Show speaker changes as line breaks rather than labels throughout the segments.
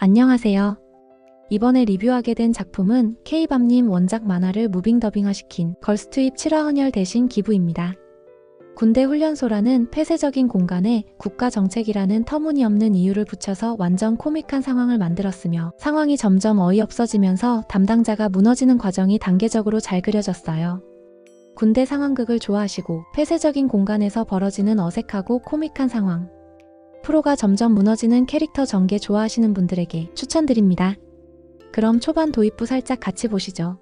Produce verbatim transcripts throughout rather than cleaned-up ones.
안녕하세요. 이번에 리뷰하게 된 작품은 K밤님 원작 만화를 무빙 더빙화시킨 걸스투입 칠 화 헌혈 대신 기부입니다. 군대 훈련소라는 폐쇄적인 공간에 국가 정책이라는 터무니없는 이유를 붙여서 완전 코믹한 상황을 만들었으며 상황이 점점 어이없어지면서 담당자가 무너지는 과정이 단계적으로 잘 그려졌어요. 군대 상황극을 좋아하시고 폐쇄적인 공간에서 벌어지는 어색하고 코믹한 상황, 프로가 점점 무너지는 캐릭터 전개 좋아하시는 분들에게 추천드립니다. 그럼 초반 도입부 살짝 같이 보시죠.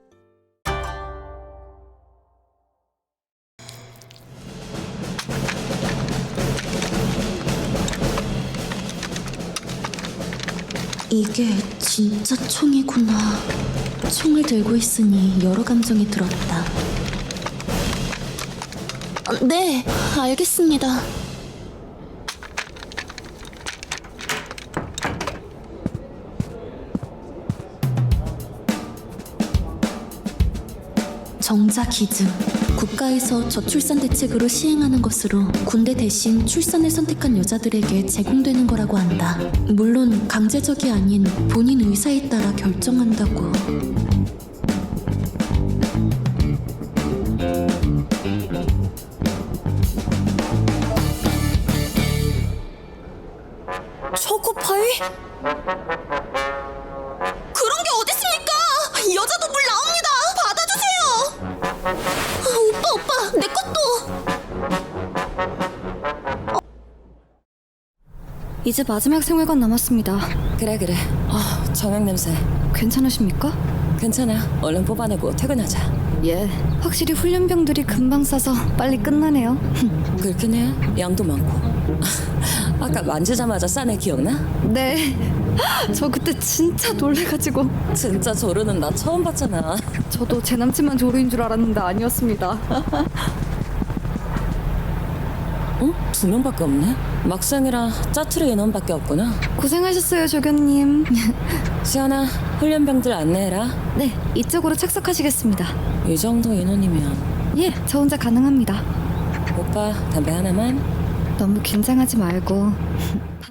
이게 진짜 총이구나. 총을 들고 있으니 여러 감정이 들었다. 아, 네, 알겠습니다. 정자 기증. 국가에서 저출산 대책으로 시행하는 것으로 군대 대신 출산을 선택한 여자들에게 제공되는 거라고 한다. 물론 강제적이 아닌 본인 의사에 따라 결정한다고. 초코파이? 그런 게 어딨습니까? 여자도 물 나옵니다. 받아주세요. 아, 오빠 오빠 내 것도. 어.
이제 마지막 생활관 남았습니다.
그래 그래. 아, 정액 냄새.
괜찮으십니까?
괜찮아. 얼른 뽑아내고 퇴근하자.
예. 확실히 훈련병들이 금방 싸서 빨리 끝나네요.
그렇긴 해. 양도 많고. 아까 만지자마자 싸네 기억나?
네. 저 그때 진짜 놀래가지고.
진짜 조르는 나 처음 봤잖아.
저도 제 남친만 조루인 줄 알았는데 아니었습니다.
어? 두 명밖에 없네? 막상이라 짜투리 인원밖에 없구나.
고생하셨어요, 조교님.
시연아, 훈련병들 안내해라.
네, 이쪽으로 착석하시겠습니다.
이 정도 인원이면.
예, 저 혼자 가능합니다.
오빠 담배 하나만.
너무 긴장하지 말고